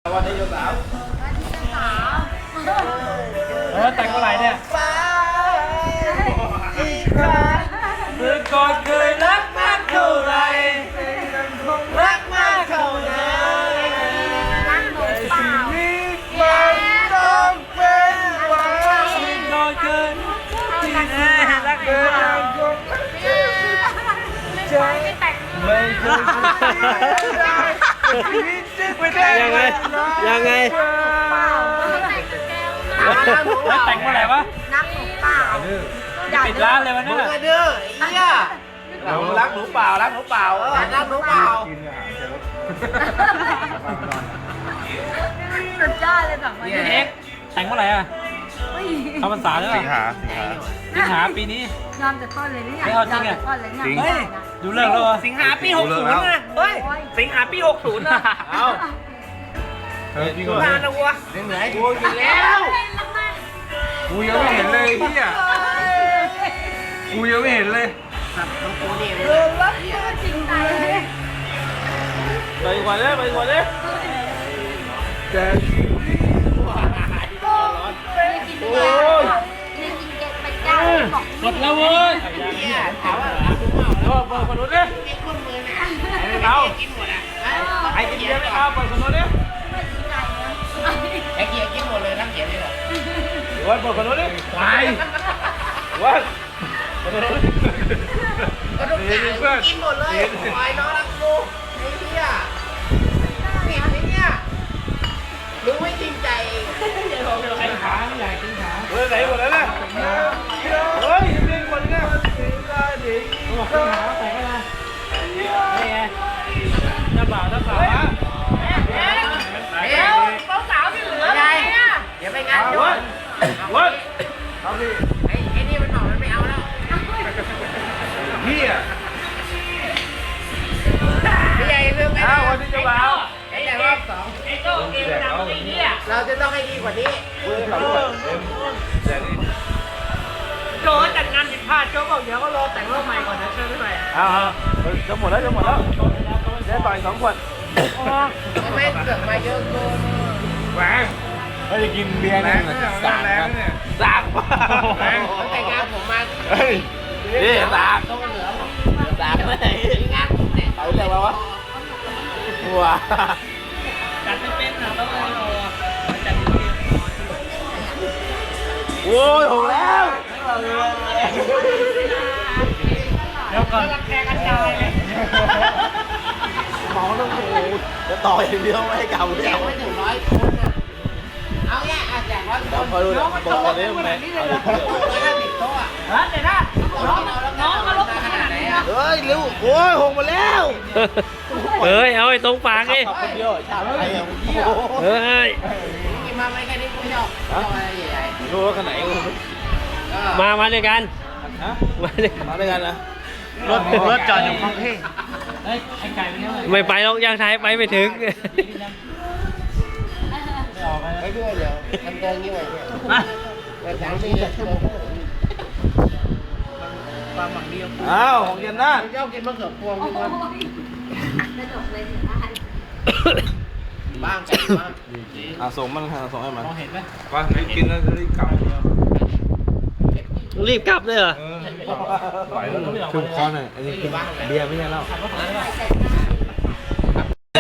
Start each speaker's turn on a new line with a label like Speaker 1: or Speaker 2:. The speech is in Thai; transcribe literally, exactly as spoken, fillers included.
Speaker 1: วันนี้โยสาว
Speaker 2: เออแต่งเมื่อไหร่เนี่ยเมื่อก่อนเคยรักมากเท่าไรรักมากเท่านั้น
Speaker 3: รักหนูเปล่า
Speaker 1: มันต้องเป็นวัน
Speaker 2: เมื่อก่อนเคยที่แน่รักหนูเปล่า
Speaker 3: ไม่แต่ง
Speaker 1: ไม่เคยไม่แต่ง
Speaker 4: ยังไงยังไง
Speaker 3: เปล่าแต่งกับแก้ว
Speaker 2: แล้วแต่งเมื่อไหร่วะ
Speaker 3: รักหนูเปล่า
Speaker 2: ปิดร้านเลยวัน
Speaker 1: มึ
Speaker 2: นั้
Speaker 1: ง
Speaker 2: น
Speaker 1: อะดื้อไอ้เหี้ยรักหนูเปล่ารักหนูเปล่าเออรักหนูเปล่า
Speaker 3: สุดยอดเลยแบบว่า
Speaker 2: เอ็กแต่งเมื่อไหร่อ่ะเข้าพรรษาแล้ว
Speaker 1: สิงหาสิงหา
Speaker 2: สิงหาปีนี้
Speaker 3: ยอมแต่ต้นเลยนี่ไง
Speaker 2: ไม่เอาจริงอะ
Speaker 3: ยมแต่ต้นเลยเนี่ย
Speaker 1: จริง
Speaker 3: ไม่ได้นะ
Speaker 2: ดูเลิกแล้วเหรอ
Speaker 5: สิงหาปีหกศูนย์นะเฮ้ย สิงหาปีหกศูนย์นะ
Speaker 1: เอาเฮ้ยจริงเหรอน
Speaker 5: านนะวัว
Speaker 1: เรื่องไหน
Speaker 5: กูอยู่แล้ว
Speaker 1: กูยังไม่เห็นเลยเหี้ยกูยังไม่เห็นเลย
Speaker 3: เออรักจริงใจ
Speaker 2: ไปก่อนเลยไปก่อนเลย
Speaker 1: แต่
Speaker 3: ไม่กินแก้วไม่กินแก้วไปแก้วบอก
Speaker 2: หมดแล้วเว้ย
Speaker 5: ถามว่ารักหรือเปล่า
Speaker 2: เออเปิดคนนู้นดิ
Speaker 5: เด็กคนมือน่ะ
Speaker 2: ไอ้เรา
Speaker 5: กินหมดอ่ะ
Speaker 2: ไอ้กินเบียร์ไม่เอาเปิดคนนู้นดิ
Speaker 3: ไม่จริงใจนะ
Speaker 5: ไอ้เกียร์กินหมดเลยทั้งเกียร์เลยเหรอ
Speaker 2: เว้ยเปิดคนนู้นดิไปเว้ยเปิดคนนู้นดิ
Speaker 5: ก็ทุกอย่างกินหมดเลยปล่อยน้องรักกูไอ้เหี้ยผิดไอ้เนี่ยรู้ไม่จริงใจ
Speaker 2: ไอ้ขาไม่อยากกินขาเฮ้ยไหนหมดแล้วเนี่ยเฮ้ยยังมีคนนึงอ่ะเขาบอกกินขาแต่ก็นะนี่ไงน้าบ่าวน้าสาวอ่ะ
Speaker 5: เดี๋ยวสาวๆที่เหลือไงเดี๋ยวไปงานโยน
Speaker 2: วัด
Speaker 1: เอาดิ
Speaker 5: ไอ้ไอ้นี่มันบอกมันไม่เอาแล้ว
Speaker 1: เหี้ย
Speaker 5: พี่ใหญ่ลืมไอ้
Speaker 1: อ้าววันนี้จะมาเอา
Speaker 5: ไอ้ใหญ่รอบสอง
Speaker 2: ไอ้โจ้เกมมันทำอะไรเนี่ย
Speaker 5: เราจะต้องให้ดีกว่านี้
Speaker 1: กูจะทำแบบเต็มแต่นี่
Speaker 5: โจจัดงานผิดพลาดโจบอกเดี๋ยวก็รอแต่งรอบใหม่ก่อนนะเชิญไม่ไป
Speaker 2: อ้าวจะหมดแล้วจะหมดแล้วเดี๋ยวต่อยสองขวด
Speaker 5: ทำไมเสือกมาเยอะเกิน
Speaker 1: แหวงไม่ได้กินเบียร์เนี่ยสามกันสามป่ะแหวง
Speaker 5: ตั้งแต่งานผมมา
Speaker 1: เฮ้ยนี่สาม
Speaker 5: ต้องเหลือ
Speaker 1: สามไม่ได้
Speaker 5: งานผมเนี่ย
Speaker 1: เอาเรื่องอะไรวะว้า
Speaker 2: จัดไม่เป็นนะต้องให้เราจัดดี
Speaker 1: โอ้ยหกแล้ว
Speaker 2: เดี๋ยวก่อน
Speaker 5: รักแกกระจายเลย
Speaker 1: หมอต้องโอ้จะต่ออย่างเดียวไม่ให้เก่าเล
Speaker 5: แจ
Speaker 1: ย
Speaker 5: กไม่ถึงร้อยคนอ่ะเอาแย่อ่ะแจกร้อย
Speaker 1: เดี๋ยวคอยดูนะบอกก่อนนี้ไหม
Speaker 5: ร้อยห้าสิบโต๊ะอ่ะ
Speaker 2: ฮะเดี๋ยวนะ
Speaker 5: น้องน้องมาลบขนาดไหนอ่ะ
Speaker 1: เฮ้ยเร็วโอ้ยหกมาแล้ว
Speaker 4: เฮ้ย เอาไอ้ตรงปากดิ
Speaker 1: ขับคนเดียวชาติไทยอ่ะ
Speaker 4: เฮ้ย
Speaker 5: กินมาไม่แค่นี้กูไม่ชอบชอบอะไรใหญ่
Speaker 1: รู้ว่าขนาดไหน
Speaker 5: ๆก็
Speaker 4: มา มาด้วยกัน
Speaker 1: ฮะ
Speaker 4: มาด้วย
Speaker 1: มาด้วยกันนะ
Speaker 2: รถรถจอดอยู่คลองเท่เฮ้ยไอ้ไก่เป็นยังไง
Speaker 4: ไม่ไปหรอกย่างไทยไปไม่ถึง
Speaker 2: ไม่ออกไป
Speaker 5: ไม่ด้วยเดี๋ยวทำเกินงี้ไว้
Speaker 2: มา
Speaker 5: เปิดสังสีเลย
Speaker 2: ความหวังดีของกู
Speaker 1: อ้าวของเย็นนะ
Speaker 5: ชอบกินมะเขือพวงทุกคน
Speaker 3: กระจกเลยถึงได้
Speaker 5: บ้างกันบ้าง
Speaker 1: อ่ะส่งมันทางส่งให้มัน
Speaker 2: มองเห็นไหม
Speaker 1: ว่าไม่กินแล้วจะรีบกลับ
Speaker 4: รีบกลับเลยเหรอ
Speaker 1: ไหวแล้วชุ่มคอหน่อยอันนี้กินเบียร์ไม่ใช่เหล้า
Speaker 2: ขับรถผ่านได้ป่ะ
Speaker 3: ใส่หน้า